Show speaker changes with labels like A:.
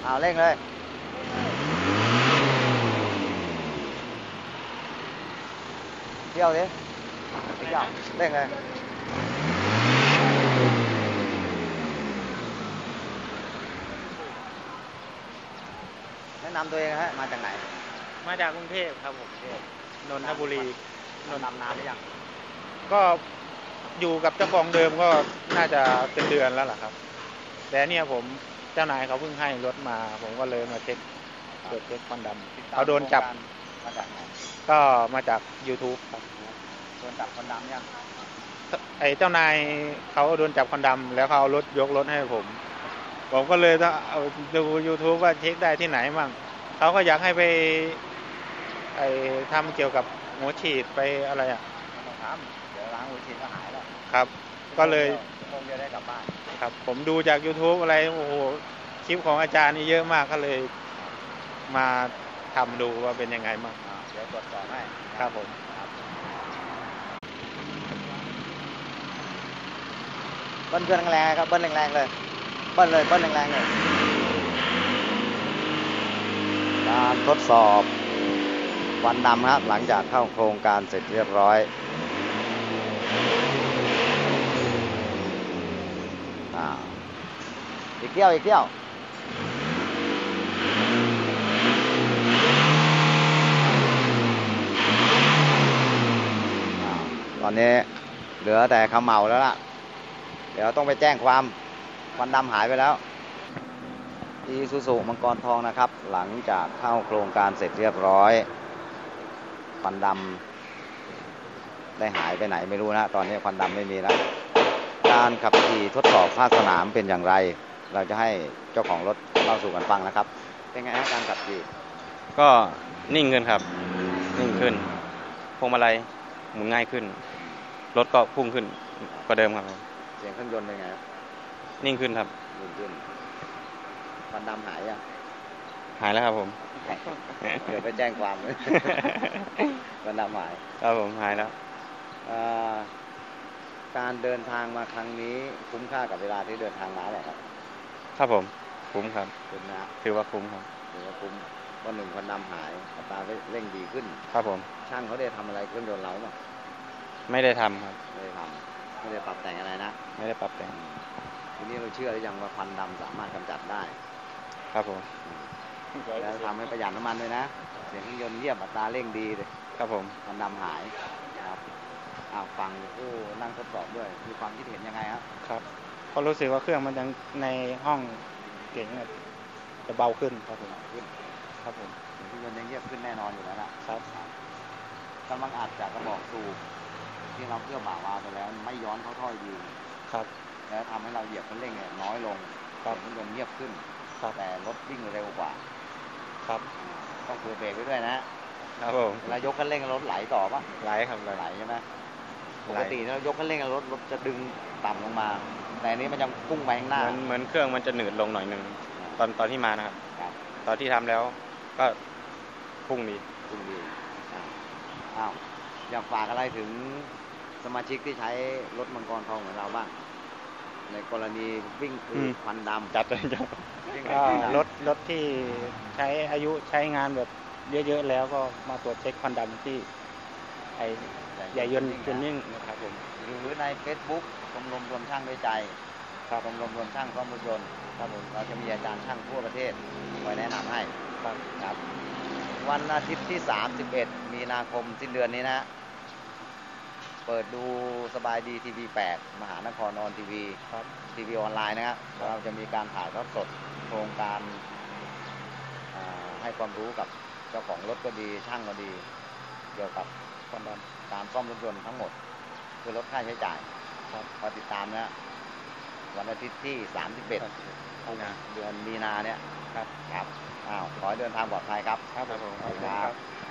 A: เอาเร่งเลยเที่ยวดิเที่ยวเร่งเลยแนะนำตัวเองฮะมาจากไหน
B: มาจากกรุงเทพครับผมนนทบุรี
A: นนท์นานหรือยัง
B: ก็อยู่กับเจ้าของเดิมก็น่าจะเป็นเดือนแล้วล่ะครับแต่เนี่ยผมเจ้านายเขาเพิ่งให้รถมาผมก็เลยมาเช็คตรวจเช็คควันดำเขาโดนจับ
A: มาจากไหน
B: ก็มาจาก YouTube ครับ
A: โดนจับควันดำยัง
B: ไอ้เจ้านายเขาโดนจับควันดำแล้วเขาเอารถยกรถให้ผมก็เลยต้องเอาดู YouTube ว่าเช็คได้ที่ไหนมั่งเขาก็อยากให้ไปไอ้ทำเกี่ยวกับหัวฉีดไปอะไรอ่ะ
A: ต้องทำเดี๋ยวล้างหัวฉีดก็หายแล้ว
B: ครับก็เลย
A: คงจะได้กลับบ้าน
B: ครับผมดูจาก YouTube อะไรโอ้โหคลิปของอาจารย์นี่เยอะมากก็เลยมาทำดูว่าเป็นยังไงบ้าง
A: เดี๋ยวตรวจสอบให้
B: ครับผม
A: เบิ้ลเครื่องแรงๆครับเบิ้ลแรงๆเลยเบิ้ลเลยเบิ้ลแรงๆเลยการทดสอบควันดำครับหลังจากเข้าโครงการเสร็จเรียบร้อยอีกเที่ยวอีกเที่ยวตอนนี้เหลือแต่เขม่าแล้วล่ะเดี๋ยวต้องไปแจ้งความควันดำหายไปแล้วอีซูซูมังกรทองนะครับหลังจากเข้าโครงการเสร็จเรียบร้อยควันดำได้หายไปไหนไม่รู้นะตอนนี้ควันดำไม่มีแล้วการขับขี่ทดสอบภาคสนามเป็นอย่างไรเราจะให้เจ้าของรถเล่าสู่กันฟังนะครับเป็นไงฮะการขับขี่
C: ก็นิ่งขึ้นครับนิ่งขึ้นพวงมาลัยหมุนง่ายขึ้นรถก็พุ่งขึ้นกว่าเดิมครับ
A: เสียงเครื่องยนต์เป็นไงครับ
C: นิ่งขึ้นครับ
A: นิ่งขึ้นควันดำหายยัง
C: หายแล้วครับผม
A: เดี๋ยวไปแจ้งความเลยควันดำหาย
C: ครับผมหายแล้ว
A: การเดินทางมาครั้งนี้คุ้มค่ากับเวลาที่เดินทางมาหรือครับ
C: ครับผมคุ้มครับ
A: คุ้มนะ
C: ถือว่าคุ้มครับ
A: ถือว่าคุ้มวันหนึ่งควันดำหายอัตราเร่งดีขึ้น
C: ครับผม
A: ช่างเขาได้ทำอะไรเครื่องยนต์เราไหม
C: ไม่ได้ทำครับ
A: ไม่ได้ทำไม่ได้ปรับแต่งอะไรนะ
C: ไม่ได้ปรับแต่ง
A: ทีนี้เราเชื่อหรือยังว่าควันดำสามารถกำจัดได้
C: ครับผม
A: แล้วทำให้ประหยัดน้ำมันด้วยนะเสียงเครื่องยนต์เยี่ยมอัตราเร่งดีเลย
C: ครับผม
A: ควันดำหายครับฟังผู้นั่งทดสอบด้วยมีความคิดเห็นยังไง
C: ครับเพราะรู้สึกว่าเครื่องมันยังในห้องเก่งจะเบาขึ้นครับผม
A: ขึ้น
C: ครับผม
A: เครื่องยนต์ยังเยี่ยมขึ้นแน่นอนอยู่แล้ว
C: นะครับ
A: กำลังอัดจากกระบอกสูบที่เราเพื่อบ่าวาไปแล้วไม่ย้อนเข้าท่อดี
C: ครับ
A: แล้วทำให้เราเหยียบคันเร่งเนี่ยน้อยลงเครื่องยนต์เงียบขึ้นแต่รถวิ่งเร็วกว่า
C: ครับ
A: ต้องเผื่อเบรกไว้ด้วยนะครับ
C: ผม
A: เวลายกคันเร่งรถไหลต่อปะ
C: ไหลครับ
A: ไหลใช่ไหมปกติเรายกคันเร่งรถจะดึงต่ำลงมาแต่นี้มันยังพุ่งไปข้างหน้า
C: เหมือนเครื่องมันจะหนืดลงหน่อยนึงตอนที่มานะครับตอนที่ทำแล้วก็พุ่งดี
A: อยากฝากอะไรถึงสมาชิกที่ใช้รถมังกรทองเหมือนเราบ้างในกรณีวิ่งควันดำ
C: จัดเลยรถที่ใช้อายุใช้งานแบบเยอะๆแล้วก็มาตรวจเช็คควันดำที่ไอใหญ่ยนต์นิ่งนะครับผม
A: หรือใน Facebook ชมรมรวมช่างด้วยใจชมรมรวมช่างซ่อมรถยนต์ครับผมเราจะมีอาจารย์ช่างทั่วประเทศคอยแนะนำให้ครับวันอาทิตย์ที่31มีนาคมสิ้นเดือนนี้นะเปิดดูสบายดีทีวี8มหานครออนทีวีทีวีออนไลน์นะครับเราจะมีการถ่ายทอดสดโครงการให้ความรู้กับเจ้าของรถก็ดีช่างก็ดีเกี่ยวกับการซ่อมรถยนต์ทั้งหมดคือลดค่าใช้จ่ายพอติดตามนะวันอาทิตย์ที่31เดือนมีนาเนี่ยครับขอให้เดินทางปลอดภัยครับ
C: ครับผม
A: ครับ